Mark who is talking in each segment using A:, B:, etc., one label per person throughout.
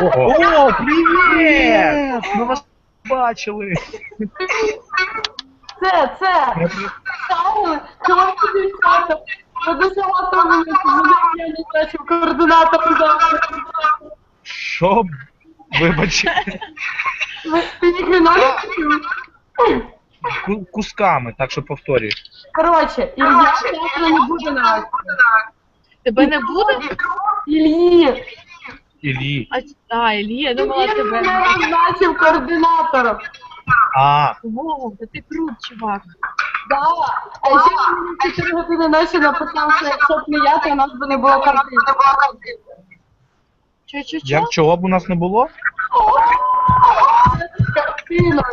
A: О, привіт! Ми вас бачили.
B: Це. Чого ти дівчата? Дуже готові, я не бачив координатор завтра.
A: Що? Вибачте.
B: Ти ніхрена не чув.
A: Кусками, так що повторюй.
B: Коротше, Ілля завтра не буде нас.
C: Тебе не буде?
B: Іллі.
A: Іллі.
C: Іллі, я думала
B: Він
C: тебе.
B: мене назначив координатором.
C: Вау, та ти крут, чувак.
B: Да. А ще він мені 4 години ночі написав, що якщо б не я, то у нас би не було картин.
C: Чо?
A: Як чого б у нас не було?
B: Картина.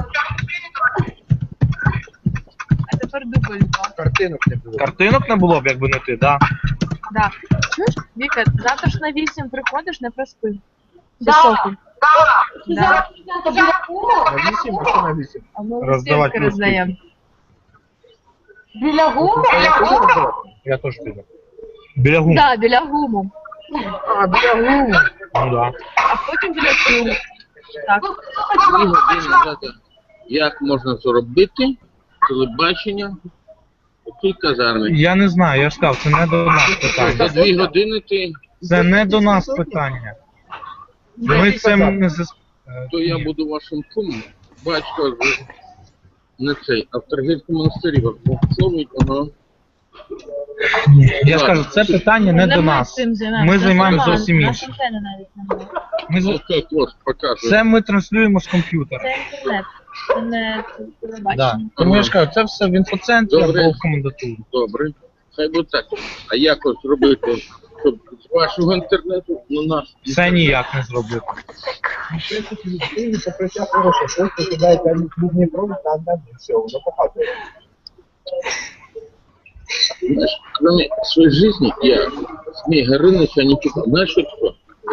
C: А тепер дубль 2.
D: Картинок не було.
A: Картинок не було б, якби не ти, да?
C: Да. Чуєш, Віка, завтра ж на 8 приходиш, не проспи.
B: Да.
C: Соколь.
B: Зараз біля гуму?
D: На 8, а що на 8?
C: А ми
A: Роздавати
C: листівки роздаємо.
B: Біля гуму?
D: Я теж піду.
A: Біля гум.
C: Так, біля гуму.
D: А, біля гуму.
A: Ну да.
C: А потім біля клубу. Так.
E: 2 години назад. Як можна зробити телебачення у цій казармі?
A: Я не знаю, я ж сказав, це не до нас
E: За
A: питання.
E: 2 години ти,
A: Це не до нас питання. Ми цим не
E: то я буду вашим кумом. Батько не цей, а в Трагільському монастирі вас благословить, воно.
A: Я скажу, це питання не до нас. Ми займаємося зовсім іншим. Ми за-
E: Окей, ось, показую.
A: Це ми транслюємо з комп'ютера.
C: Це інтернет. Це не
A: Да.
C: телебачення.
A: Тому я ж кажу, це все в інфоцентрі
E: Добре.
A: або в комендатурі.
E: Добре. Хай буде так. А як ось зробити, щоб з вашого інтернету на наш?
A: Це ніяк не зробити.
D: В принципі, ви покриття хороше, просто кидаєте клубний провід на одне, і все, воно показує.
E: Знаешь, кроме своей жизни, я Змей Горыныча не читал. Знаешь, что такое?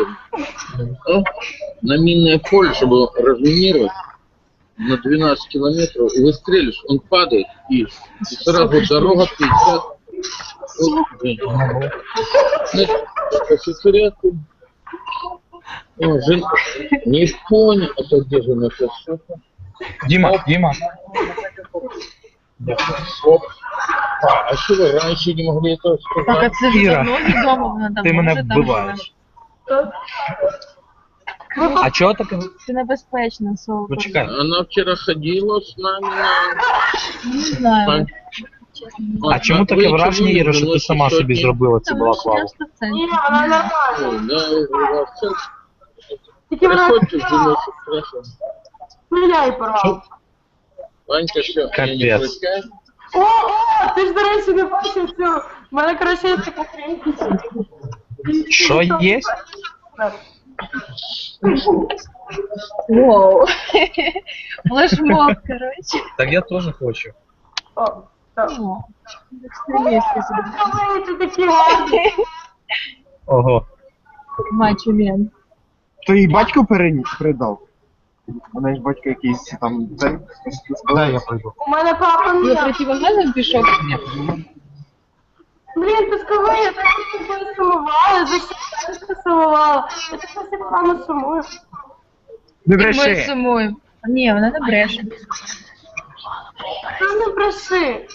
E: На минное поле, чтобы разминировать на 12 километров, и выстрелишь, он падает, и сразу дорога 50. Офицерятку. Не понял, а то где же наша шефа?
A: Діма.
E: Оп. А что вы раньше не могли этого
C: Так, а
E: сказать?
C: це ж
A: Іра,
C: давно відомо, вона давно
A: Ти мене
C: вже там
A: вбиваєш.
C: живе.
A: А чого таке?
C: Це небезпечно, Солко.
A: Почекай.
E: Она вчера ходила с нами на...
C: Не знаю.
A: А чому таке враження, Іра, що ти сама собі зробила цю балаклаву?
B: Ні, вона нормальна. Тільки вона
E: Приходите в жіночу красу.
B: міняй порвав.
E: Ванька, все, я не
A: Капец.
E: прощаю.
B: О, ти ж, до речі, не бачив цю. У мене, коротше, є така хрень.
A: Що є?
C: Воу. Флешмоб, коротше.
A: Так я теж хочу.
B: О, так.
C: О, екстремістський собі.
B: Ой, ти такі гарні.
A: Ого.
C: Мачо-мен.
D: То їй батько передав. Вона ж батько якийсь там... Дай я прийду.
B: У мене папа
C: Ви
B: не.
C: противогазом пішов?
B: Блін, ти скажи, я так з тобою сумувала. За що ти сумувала? Я так на себе мама сумую.
D: Не
C: Ми сумуємо. Ні, вона не бреше.
B: Ти не бреши.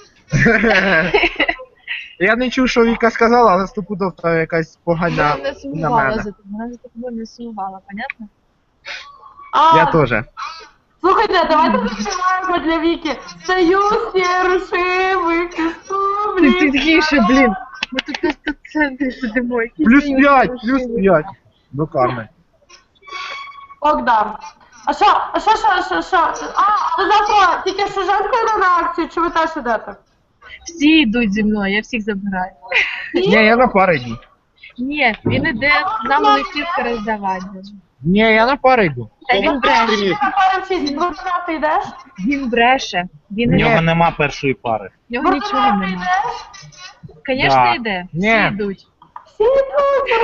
D: Я не чув, що Віка сказала, але стопудов там якась погана
C: Вона не
D: на
C: сумувала
D: мене.
C: за тобою. Вона за тобою не сумувала, понятно?
D: Я теж.
B: Слухайте, давайте заспіваємо для Віки. Союз нерушимих
C: Ти
B: республік.
C: тихіше, блін. Ми тут на 100 центрів сидимо. Який
D: Плюс
C: союз
D: 5,
C: нерушимий.
D: плюс 5. До карми.
B: Богдан. А що? А, ви завтра тільки з Жужанкою на акцію, чи ви теж ідете?
C: Всі йдуть зі мною, я всіх забираю.
D: Ні, я на пари йду.
C: Ні, він іде нам листівки роздавати.
D: Ні, я на пари йду.
C: Та він бреше.
B: На пару вчись, Бурдана ти йдеш?
C: Він бреше. Він
A: В нього
C: іде.
A: нема першої пари.
C: В нього нічого
B: Бурдана ти
C: немає.
B: йдеш?
C: Звісно,
A: Да.
C: йде.
D: Ні.
C: Всі йдуть.
B: Всі йдуть.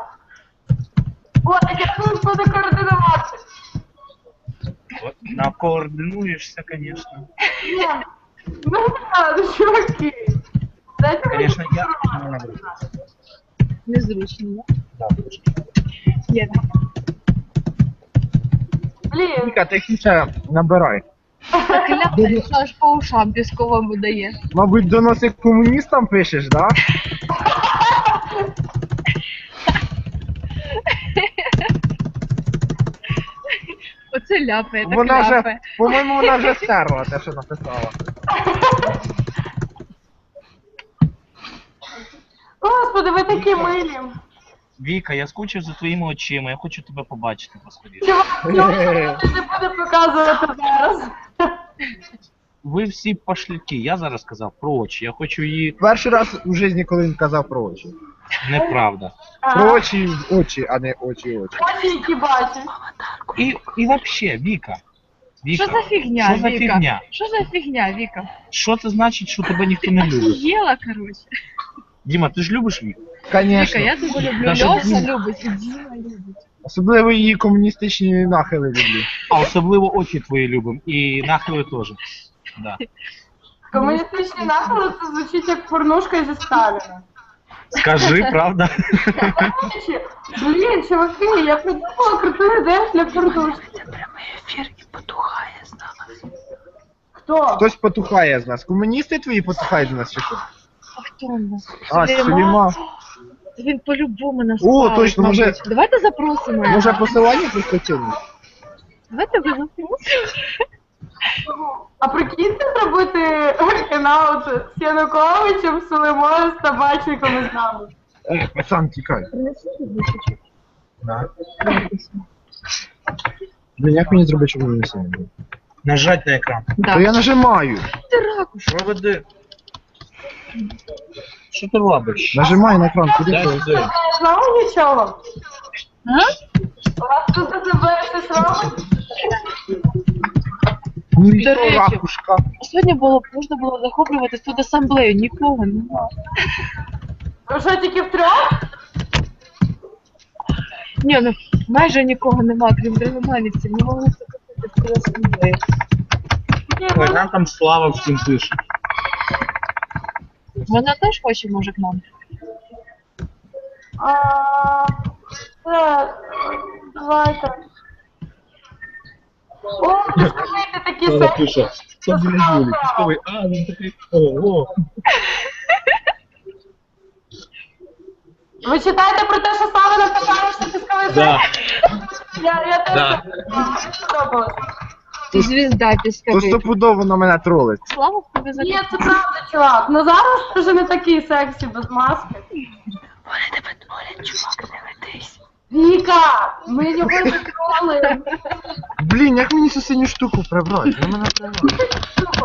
B: О, так я тут буду координувати.
A: От, накоординуєшся, звісно.
B: Ні. Ну, ладно, чуваки. Дайте мені
A: Звісно, я...
C: Незручно,
A: Да,
C: да? Є.
B: Блін,
D: Віка, ти ще набирай.
C: Так ляпає, що аж по ушам пісковому дає.
D: Мабуть, доноси комуністам пишеш, да?
C: Оце ляпає, так
D: Вона вже,
C: ляпає.
D: по-моєму, вона вже стерла те, що написала.
B: Господи, ви такі милі.
A: Віка, я скучив за твоїми очима, я хочу тебе побачити поскоріше.
B: Чувак, чого ти не буде показувати зараз?
A: Ви всі пошляки, я зараз сказав про очі, я хочу її...
D: Перший раз у житті, коли він казав про очі.
A: Неправда.
D: Про очі, а не очі.
B: Очі, які бачиш.
A: І вообще, Віка. Віка.
C: Що за фігня,
A: Що за
C: Віка?
A: фігня?
C: Що за фігня, Віка?
A: Що це значить, що тебе ніхто не любить?
C: Єла, короче.
A: Діма, ти ж любиш Віку?
C: Віка,
D: Конечно.
C: я тебе люблю,
A: Даже
C: Льоша
A: Діма.
C: любить, і Діма любить.
D: Особливо її комуністичні нахили люблю.
A: А особливо очі твої любим. І нахили теж. Да.
B: Комуністичні нахили це звучить як порнушка зі Сталіна.
A: Скажи, правда?
B: Блін, чуваки, я придумала круту ідею для порнушки. Хто?
D: Хтось потухає з нас. Комуністи твої потухають з нас чи що?
C: А хто у нас?
D: А, Сулейма.
C: Він по-любому нас
D: О,
C: спалить,
D: точно, може-
C: мабуть. Давайте запросимо його.
D: Може посилання прискочили?
C: Давайте вилучимо.
B: А прикиньте зробити канал з Януковичем, Сулеймою, з табачником і з нами.
D: Пацан, тікай.
C: Принеси рюкзачок.
D: Да. Блін, як мені зробити, щоб не сильно було?
A: Нажать на екран.
D: То я нажимаю.
C: Ти ракуш.
A: Проведи. Що ти робиш?
D: Нажимай на екран, куди
A: Дай
D: ти?
A: сюди.
B: Не знала нічого?
C: А?
B: У вас тут АЗБ щось робить?
D: Ну,
C: До речі.
D: ракушка.
C: Сьогодні можна було захоплювати тут асамблею, нікого немає.
B: Ви що, тільки втрьох?
C: Ні, ну майже нікого немає, крім драгоманівців. Не могли захопити цю асамблею.
A: Ой, нам там Слава всім пише.
C: Вона теж хоче, може, к нам.
B: Давайте. О, ви слухайте такі
A: Слава
B: секції.
A: пише. Що біля Юлі? Пісковий. А, він такий. Ого.
B: Ви читаєте про те, що Слава написала, що пісковий
A: Да.
B: Я теж
A: Да.
B: сподобалась.
C: Ти звізда
D: То
C: пісковий.
D: стопудово на мене тролить.
C: Слава в тебе за
B: Ні, це правда, чувак. Ну зараз ти вже не такий сексі без маски.
C: Вони тебе тролять, чувак, не ведись.
B: Віка, ми його закроли.
D: Блін, як мені цю синю штуку прибрати? На мене прибрати.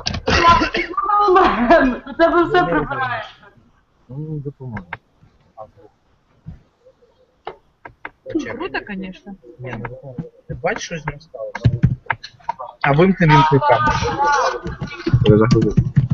B: У тебе все прибирається.
D: Ну, мені допоможе.
C: Круто, звісно.
A: Ні, не допоможе. Ти бачиш, що з ним сталося? А вимкни камеру.
D: Я заходив.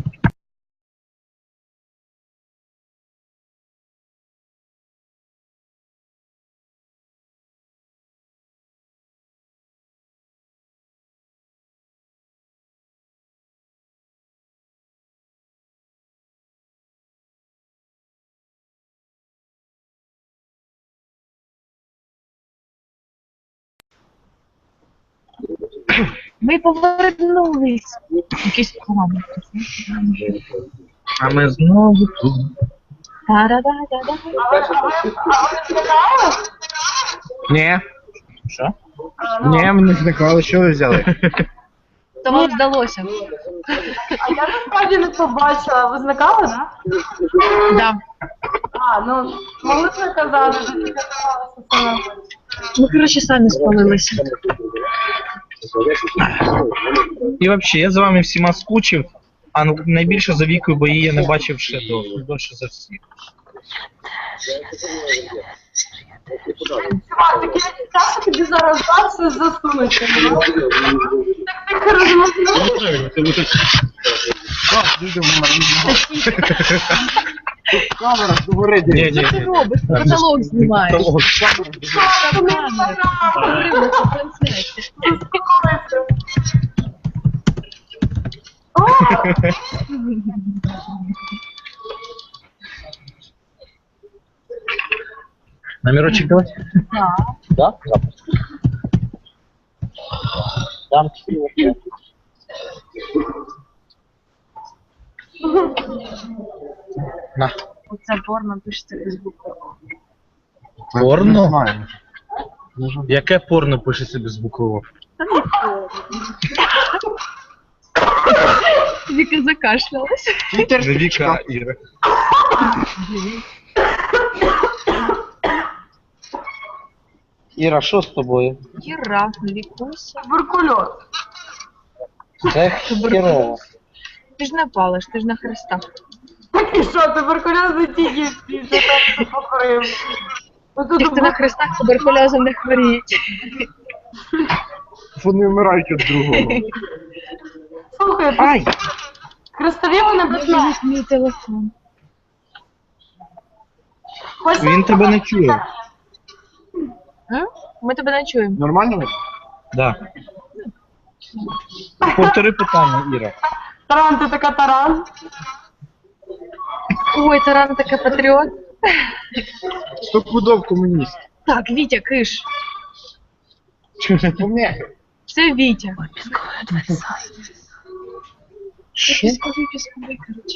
C: Ми повернулись. Якийсь план.
A: А ми знову тут.
C: Та-да-да-да-да.
B: А ви зникали?
D: Ні,
A: Що?
D: ні, ми не зникали, що ви взяли?
C: То вам здалося.
B: А я насправді не побачила. Ви зникали, так?
C: Да.
B: А, ну, могли б не казати, що ти казалася саме.
C: Ми, коротше, самі спалилися.
A: І взагалі, я за вами всіма скучив, а найбільше за Вікою, бо її я не бачив ще довше за всіх.
B: Чувак, таке відчуття, що тобі зараз так все засунуть. Ну? Так тихо розмовляєш.
D: Камера, говори,
A: Ні, ні,
C: Що ти
A: ні.
C: робиш? Ти потолок знімаєш.
B: Камера.
C: Говоримо, це трансляція.
B: О,
A: Номерочек давай?
C: Так.
A: Да? Там На.
C: Оце порно пишеться без букви.
A: Порно?
D: Не знаю.
A: Яке порно пишеться без букви О?
C: Та не порно. Віка закашлялась.
D: Твіттер
A: Не Віка, а Іра. Іра, що з тобою?
C: Іра, лікуйся.
B: Туберкульоз.
A: Це херово.
C: Ти ж не палиш, ти ж на хрестах.
B: Так і що, туберкульоз не тільки всі, що там покорив.
C: Ті, хто на хрестах туберкульозом не хворіють.
D: Вони вмирають від другого.
B: Слухай,
A: Ай!
B: хрестові вони безпечні.
C: Мій телефон.
A: Він тебе не чує.
C: М? Ми тебе не чуємо.
D: Нормально? ви?
A: Да. Повтори питання, Іра.
B: Таран, ти така таран.
C: Ой, Таран така патріот.
D: Стопудов комуніст.
C: Так, Вітя, киш.
D: Пом'яки.
C: Це Вітя.
A: Що?
C: Пісковий, коротше.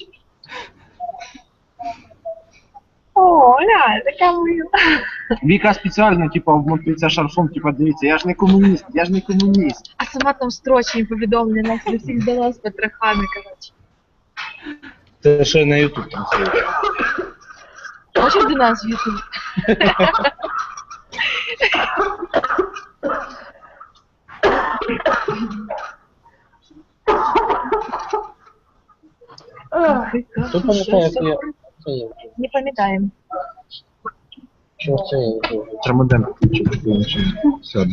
C: О, ля, така мила.
D: Віка спеціально, типа, вмотується шарфом, типа, дивіться, я ж не комуніст, я ж не комуніст.
C: А сама там строчні повідомлення нас до всіх дала з Петрахами, коротше.
A: Ти ще на Ютуб там сидиш.
C: Хочеш до нас в Ютуб?
A: Хто пам'ятає, як я...
C: Не пам'ятаємо.
A: Що це я вже?
D: Трамоден включив, сяде.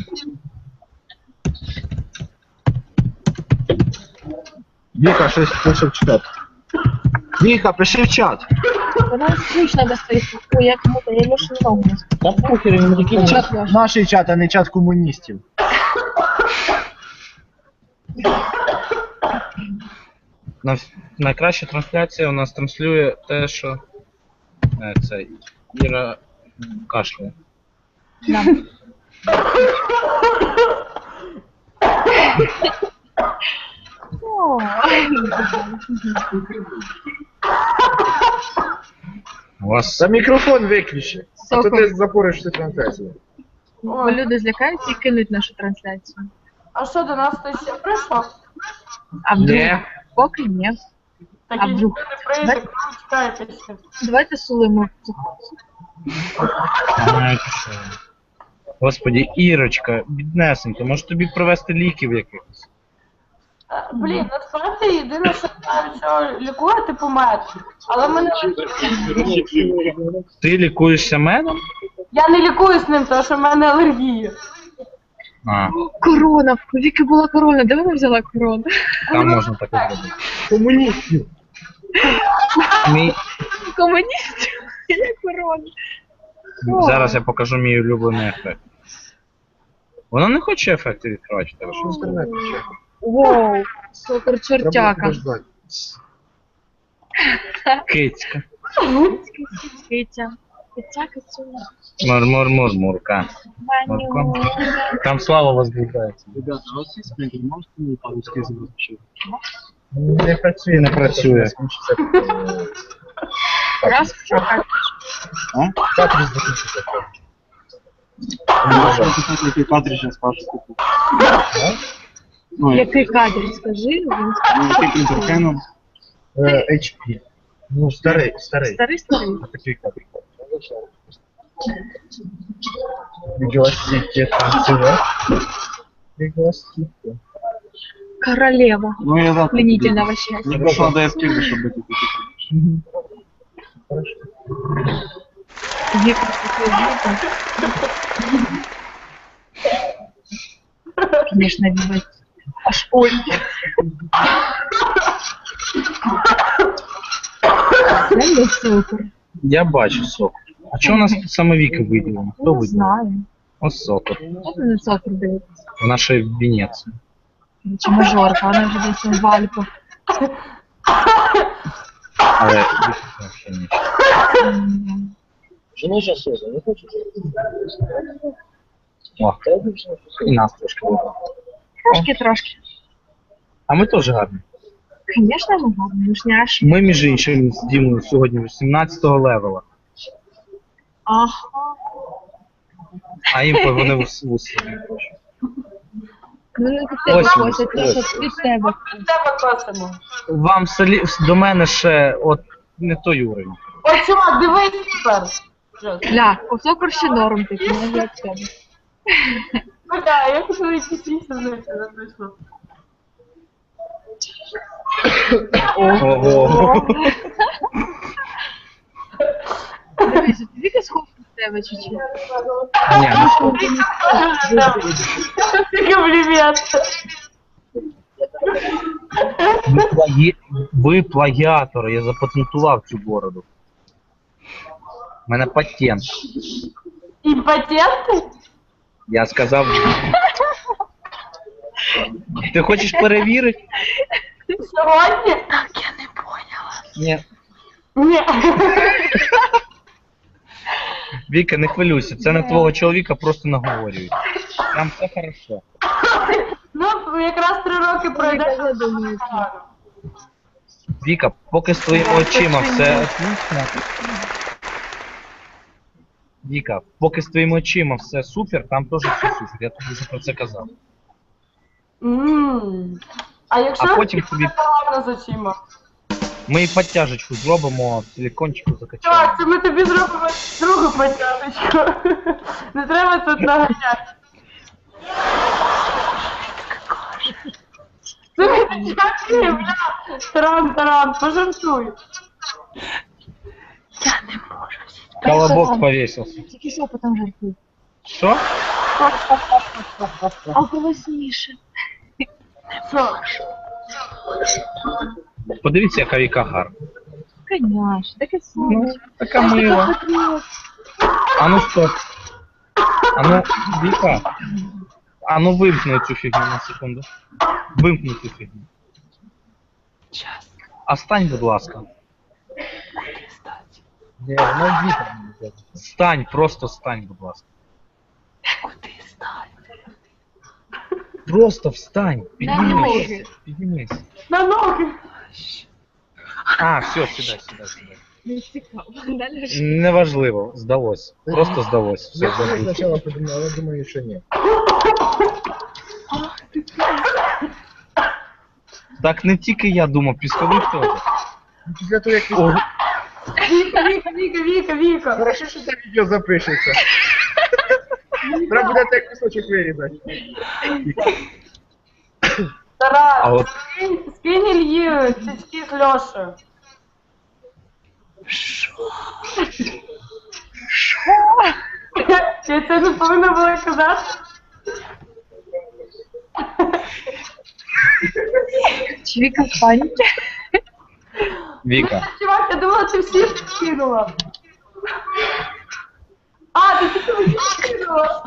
D: Віка, щось пише в чат. Віка, пиши в чат.
C: Вона скучно достає. Ой, як мута, я Лешу ногу не
A: Та похер, він такий
C: Чат
A: чат.
D: Наш чат, а не чат комуністів.
A: Найкраща трансляція у нас транслює те, що це Іра кашляє.
C: нам. О,
A: У вас
D: Та мікрофон виключи. А то
C: Сокол.
D: ти запориш всю трансляцію.
C: Бо люди злякаються і кинуть нашу трансляцію.
B: А що, до нас хтось ще прийшов?
C: А вдруг?
A: Ні.
C: Поки ні. А
B: Такі
C: вдруг?
B: ніхто не прийде, коли чекаєтеся.
C: Давайте сулимо.
A: Господі, Ірочка, біднесенька, може тобі привезти ліків якихось?
B: Блін, насправді єдине, що знаю, що лікувати помер. Але мене...
A: Ти лікуєшся медом?
B: Я не лікуюсь ним, тому що в мене алергія.
A: А,
C: Корона. У Віки була корона. Де вона взяла корону?
A: там можна таке зробити.
D: Комуністів.
A: Мій...
C: Комуністів. Я корона.
A: Зараз я покажу мій улюблений ефект. Вона не хоче ефекти відкривати, в тебе що?
D: Інтернет ще.
C: Воу. Сокор
D: Треба
C: чортяка.
D: подождати.
A: Кицька.
C: Китя. Китя, кицю.
A: Мур-мур-мур-мурка.
C: Маню.
A: Там слава возбуждається.
D: Ребята, у вас є спринтер, можете мені по-русски запустити?
A: Не працює, не працює.
C: Раз в чорта.
A: Картридж закінчиться.
D: Можете який картридж я спрашиваю купу. Ну,
C: Який кадр, скажи? Він
D: який принтер Canon? HP.
A: Ну, старий.
C: старий.
A: Такий кадр. Видеостики танцевать. Видеостики.
C: Королева.
D: Ну, я завтра.
C: Пленительного счастья.
D: Мне просто надо эскизы, чтобы эти
C: Вика, такой Вика. Конечно, Вика. Аж ой. Дай мне сокор.
A: Я бачу сокор. А чого у нас тут саме Віки виділено? Хто
C: Не
A: виділив?
C: знаю.
A: Ось сокор.
C: От на сокор дивиться.
A: В нашій Венеції.
C: Чи мажорка, вона вже десь в Альпах.
A: Але Віки взагалі нічого.
F: Жена сейчас не хочешь?
A: О, і нас трошки вибрав.
C: Трошки-трошки.
A: А ми теж гарні.
C: Звісно, ми гарні, ми ж не аж.
A: Ми, між іншим, з Дімою сьогодні 18-го левела.
C: Ага.
A: А їм вони вуси.
C: Ну не від тебе
A: Ось він,
C: косять,
A: ось.
C: лише від тебе.
B: Від тебе косимо.
A: Вам до мене ще от не той уровень.
B: О, чувак, дивись тепер.
C: Ля, кусок ще норм такий, не як тебе.
B: Бля, я хочу якісь інші знайти, не вийшло.
A: Ого.
C: Дивись, ти тільки схов від тебе чи?
A: Ні, ну що?
B: Тільки привіт.
A: Ви плагіатори, я запатентував цю бороду. У мене патент.
B: Імпотенти?
A: Я сказав. Ти хочеш перевірити?
B: Сьогодні?
A: Ні.
B: Ні.
A: Віка, не хвилюйся, це на твого чоловіка просто наговорюють. Там все хорошо.
B: Ну, якраз 3 роки пройде.
C: Я думаю,
A: Віка, поки з твоїми очима все отлично. Віка, поки з твоїми очима все супер, там теж все супер. Я тобі вже про це казав.
B: А якщо
A: А потім тобі
B: погано з очима?
A: ми і підтяжечку зробимо, силікончику закачаємо.
B: Так, це ми тобі зробимо другу потягочку. Не треба тут наганяти. Слухай, дякую, бля. Таран, пожартуй.
A: Колобок повесился.
C: тільки що потім жартуй.
A: Що?
C: А голосніше.
B: Що?
A: Подивіться, яка Віка гарна.
C: Конечно, таке
A: Ну,
C: сонечко.
A: така мила. А ну стоп. А ну, Віка. А ну вимкни цю фігню на секунду. Вимкни цю фігню. А стань, будь ласка.
D: Ні, ну Віка.
A: Стань, просто стань, будь ласка. Просто встань.
C: На ноги.
A: Піднімись. Піднімись.
B: На ноги.
A: А, все, сідай.
C: Не цікаво. Далі ж.
A: Неважливо, здалось. Просто здалось. Все,
D: Я
A: забудь.
D: спочатку подумав, але думаю, що ні.
A: Так не тільки я думав, пісковик теж.
D: Після того, як
A: О,
B: Віка.
D: Хорошо, що це відео запишеться. Треба буде як кусочок вирізати.
A: а
B: Тарас,
A: от
B: скинь Ілью цицьки з Льошею. Я це не повинна була казати.
C: Чвіка в паніці.
A: Віка.
B: Чувак, я думала, ти всі скинула. А, ти тільки мені скинула.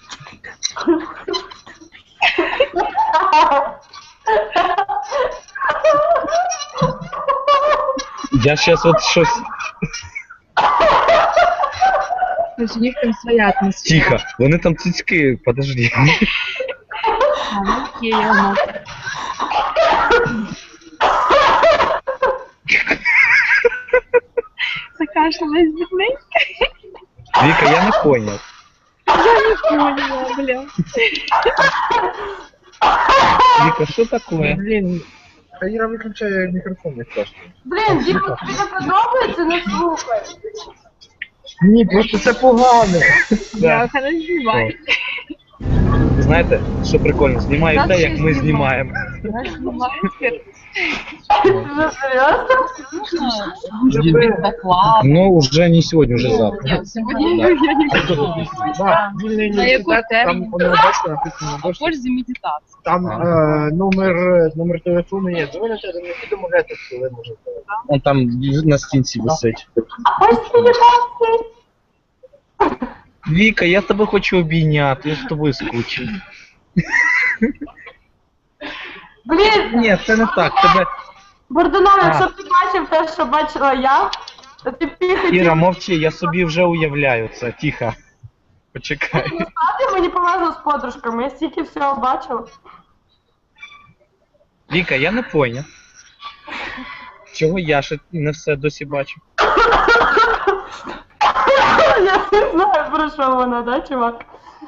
A: Я щас от щось.
C: Ось у них там своя атмосфера.
A: Тихо. Вони там цицьки, подожди.
C: А, ну окей, я можу. Закашлялась бідненька.
A: Віка, я не поняв.
C: Я не поняла, бля.
A: Віка, що таке?
D: Блін, а Іра виключає мікрофон, не страшно.
B: Блін, Діма, тобі не подобається, не слухай.
D: Ні, просто це погано.
C: Я не знімаю.
A: Знаєте, що прикольно? Знімаю
C: Нас
A: те,
C: ще
A: як ми
C: знімають.
A: знімаємо.
C: Я знімаю тепер.
B: Ти вже серйозно?
C: Доклад.
A: Ну, вже не сьогодні, вже завтра.
C: Ні, сьогодні я не буду.
D: Да, вільний
C: На яку
D: університет, там
C: тему?
D: воно бачите, написано
C: А
D: дошки.
C: пользі медитації.
D: Там номер телефону є. Дзвоните, не домовляйтесь, коли можете.
A: Он там на стінці висить.
B: Ось телефон.
A: Віка, я тебе хочу обійняти, я з тобою скучив.
B: Блін,
A: Ні, це не так. Тебе.
B: Бордунов,
A: А.
B: якщо б ти бачив те, що бачила я, то ти хотів
A: Іра, мовчи, я собі вже уявляю це. Тихо. Почекай.
B: стати, мені повезло з подружками, я стільки всього бачила.
A: Віка, я не поняв. Чого я ще не все досі бачу?
B: Я не знаю, про що вона, да, чувак?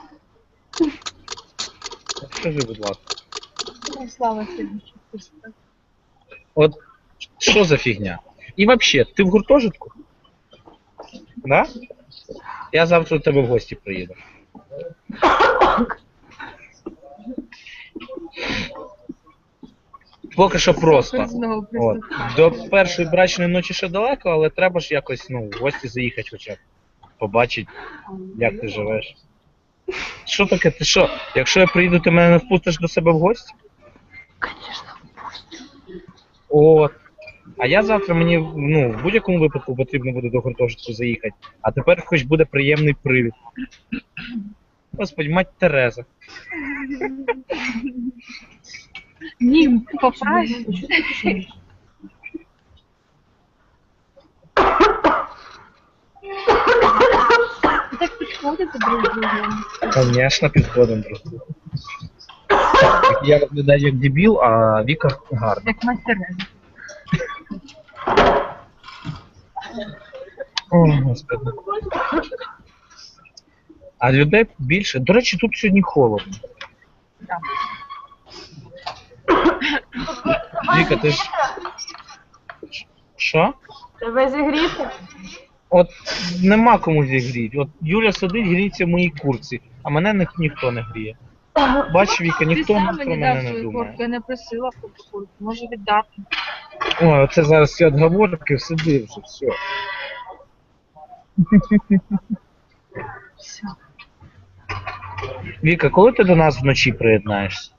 A: Скажи, будь ласка.
C: Ну, Слава сьогодні.
A: От що за фігня? І взагалі, ти в гуртожитку? Да? Я завтра до тебе в гості приїду. Поки що просто.
C: Знову
A: От. До першої брачної ночі ще далеко, але треба ж якось, ну, в гості заїхати хоча б. Побачити, як ти живеш. Що таке? Ти що? Якщо я приїду, ти мене не впустиш до себе в гості?
B: Звісно, впустю.
A: От. А я завтра мені, ну, в будь-якому випадку потрібно буде до гуртожитку заїхати. А тепер хоч буде приємний привід. Господи, мать Тереза.
C: Ні, поправ. Так підходите друг другу.
A: Конечно, підходимо просто. Я виглядаю як дебіл, а Віка гарна.
C: Як мастерез.
A: О, Господи. А людей більше. До речі, тут сьогодні холодно.
C: Так.
A: Віка, ти ж. Що?
B: Тебе зігріти?
A: От нема кому зігріти. От Юля сидить, гріється в моїй курці, а мене ніхто не гріє. Бач, Віка,
C: Ти
A: ніхто
C: сам
A: про
C: мені
A: мене
C: дав
A: не
C: свою
A: думає.
C: куртку, я не просила куртку. Може віддати.
A: Ой, оце зараз всі отговорки, сиди вже, все.
C: Все.
A: Віка, коли ти до нас вночі приєднаєшся?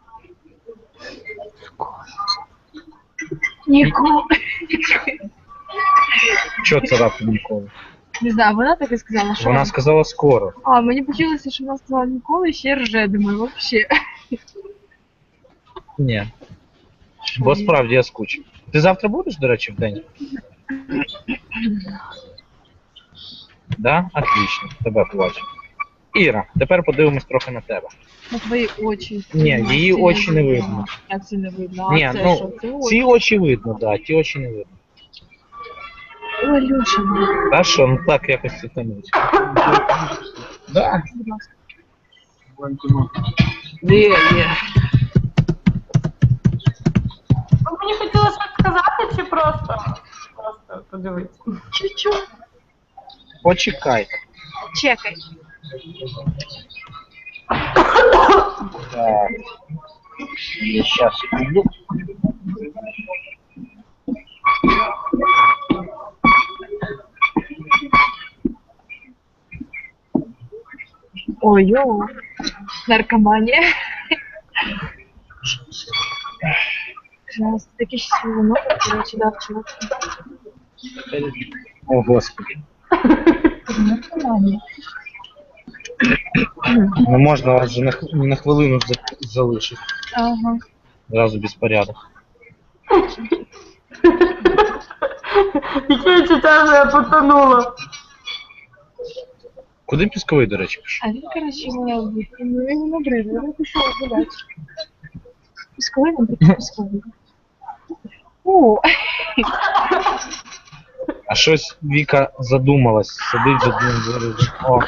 C: Ніколи.
A: Що це раптом ніколи?
C: Не знаю, вона так і сказала, що.
A: Вона сказала скоро.
C: А, мені почулося, що вона сказала ніколи, ще рже, думаю, вообще.
A: Ні. Бо справді я скучив. Ти завтра будеш, до речі, в день? Да? Отлично, тебе побачу. Іра, тепер подивимось трохи на тебе.
C: На твої очі.
A: Ні, її
C: Це
A: очі не видно.
C: Як це не видно? А
A: Ні,
C: це
A: ну,
C: що? Це
A: ці
C: очі.
A: очі видно, да, ті очі не видно.
C: Ой, Люша,
A: Та що, ну так якось це тонуть. Да.
C: будь ласка.
A: Є.
B: Ви мені хотіли щось сказати чи просто подивитися?
C: Чу-чу.
A: Почекай.
C: Чекай.
A: Так. Я сейчас иду.
C: Ой-ой. Наркоманія. Пожалуйста, такі щасливі ноги, коротше, дав чувак.
A: О, Господи.
C: Наркоманія.
A: Не можна вас же на хвилину залишити.
C: Ага.
A: Зразу безпорядок.
B: Яке відчуття, що я потонула.
A: Куди пісковий, до речі, пішов?
C: А він, коротше, мене ну його набридли, він пішов гуляти. Пісковий, він такий пісковий. О,
A: А щось Віка задумалась, сидить за одним двором. О,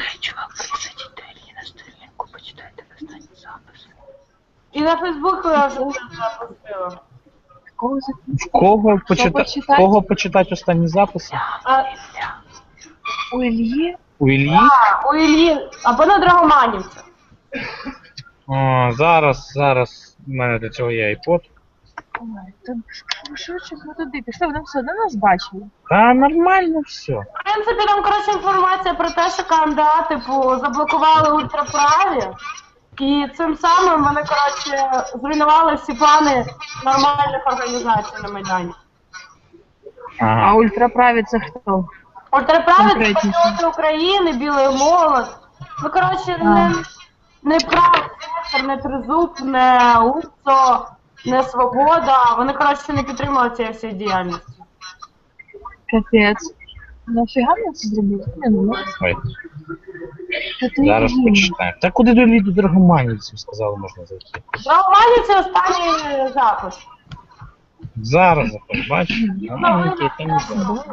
B: І на Фейсбуку я вже запустила.
C: такого
A: в кого почитати останні записи?
B: А,
C: у Ільї.
A: У Іллі?
B: у Іллі, або на Драгоманівця.
A: О, зараз в мене для цього є iPod.
C: Ой, то швидше ми туди пішли, вони все одно нас бачили.
A: Та нормально все.
B: В принципі, там, коротше, інформація про те, що КМДА, типу, заблокували ультраправі. І цим самим вони, коротше, зруйнували всі плани нормальних організацій на Майдані.
C: А
A: Ага.
C: ультраправі це хто?
B: Ультраправі це
C: Конкретніше.
B: патріоти України, білий молот. Ну, коротше, не правий сектор, не тризуб, не УЦО, не свобода. Вони, коротше, не підтримують цієї всієї діяльності.
C: Капець. Нафіга мені це зробити? Не, ну,
A: Ой.
C: Та ти
A: Зараз
C: їм.
A: почитаємо. Та куди до Драгоманівців сказали, можна зайти.
B: Драгоманів це останній запис.
A: Зараз заходь, бачиш? Драгоманівки там не знаю.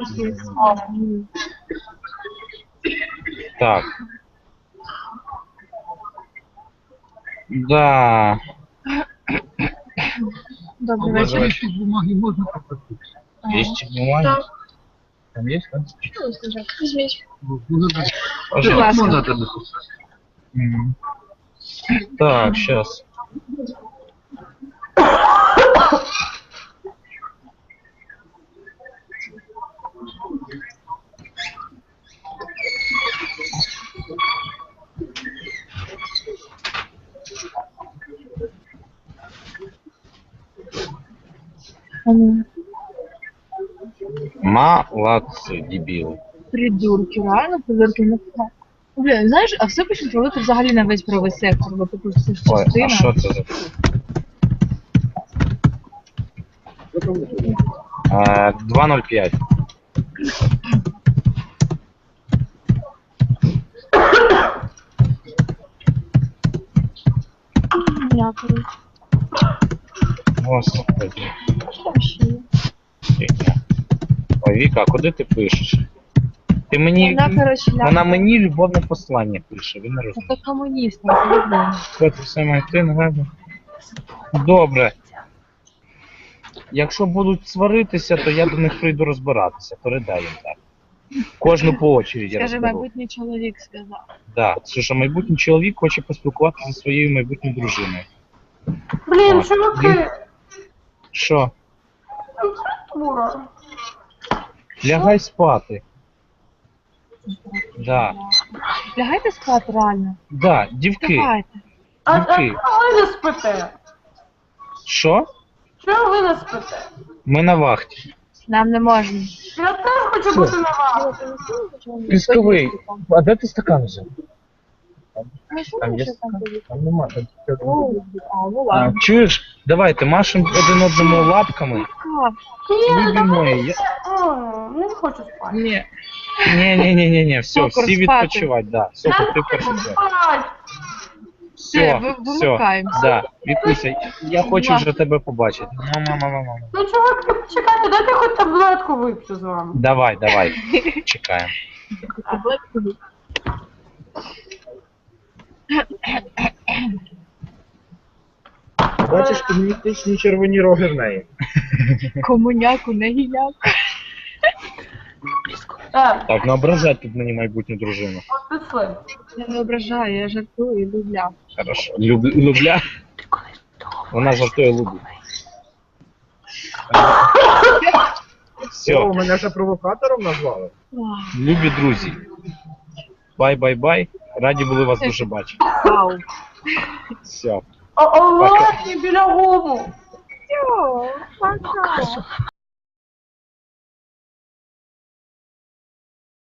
A: Так. Да.
C: Добрий вечір.
E: бумаги можно попросить?
A: Есть бумаги?
C: Так.
E: Там есть, да?
C: Візьміть.
A: Пожалуйста.
E: Можно это написать?
A: Мгм. Так, сейчас. Молодцы, дебилы.
C: Придурки, реально придурки. Блін, знаєш, а все пишуть валити взагалі на весь правий сектор, бо типу це ж
A: Ой,
C: частина.
A: а що це за... 2.05.
C: Дякую.
A: Господи.
C: Що ще є?
A: Фігня. Ой, Віка, а куди ти пишеш? Ти мені...
C: Вона, коротше,
A: Вона мені любовне послання пише, ви не
C: Це
A: розумієте.
C: комуніст, не по-любому.
A: Що це все має ти нагадує? Добре. Якщо будуть сваритися, то я до них прийду розбиратися. Передай їм так. Кожну по очереді
C: Скаже,
A: розберу.
C: майбутній чоловік сказав.
A: Да. Це що майбутній чоловік хоче поспілкуватися зі своєю майбутньою дружиною.
B: Блін,
A: Так.
B: чуваки,
A: Що?
B: Мура.
A: Лягай спати. Да.
C: Лягайте спати, реально.
A: Да, дівки.
C: Давайте.
B: А
A: Дівки.
B: чого ви не спите?
A: Що?
B: Чого ви не спите?
A: Ми на вахті.
C: Нам не можна.
B: Я теж хочу бути на вас.
A: Пісковий. А де ти стакан взяв?
C: Там
A: є
C: там
A: нема. Там
C: ну ладно.
A: Чуєш? Давайте машемо один одному лапками.
B: Ні,
A: Любі
B: давай.
A: мої, я...
B: Не хочу спати.
A: Ні. Ні, все,
C: Цукор
A: всі
C: спати.
A: відпочивать, да. Все,
B: Я
A: ти
B: не
A: перший.
B: хочу спати.
A: Все,
C: вимикаємося.
A: да. Вікуся, я хочу вже тебе побачити. Мама.
B: Ну, чуваки, почекайте, дайте хоч таблетку вип'ю з вами.
A: Давай, чекаємо.
D: Бачиш, комуністичні червоні роги в неї.
C: Комуняку, не гіляку.
A: Так, не ображай тут мені майбутню дружину.
B: От пішли.
C: Я не ображаю, я жартую і любля.
A: Хорошо. Любля? Вона жартує любить. Все,
D: О, мене вже провокатором назвали.
A: любі друзі. Бай. Раді були вас дуже бачити.
C: Вау.
A: Все.
B: О, біля гуму.
C: Йо, пока.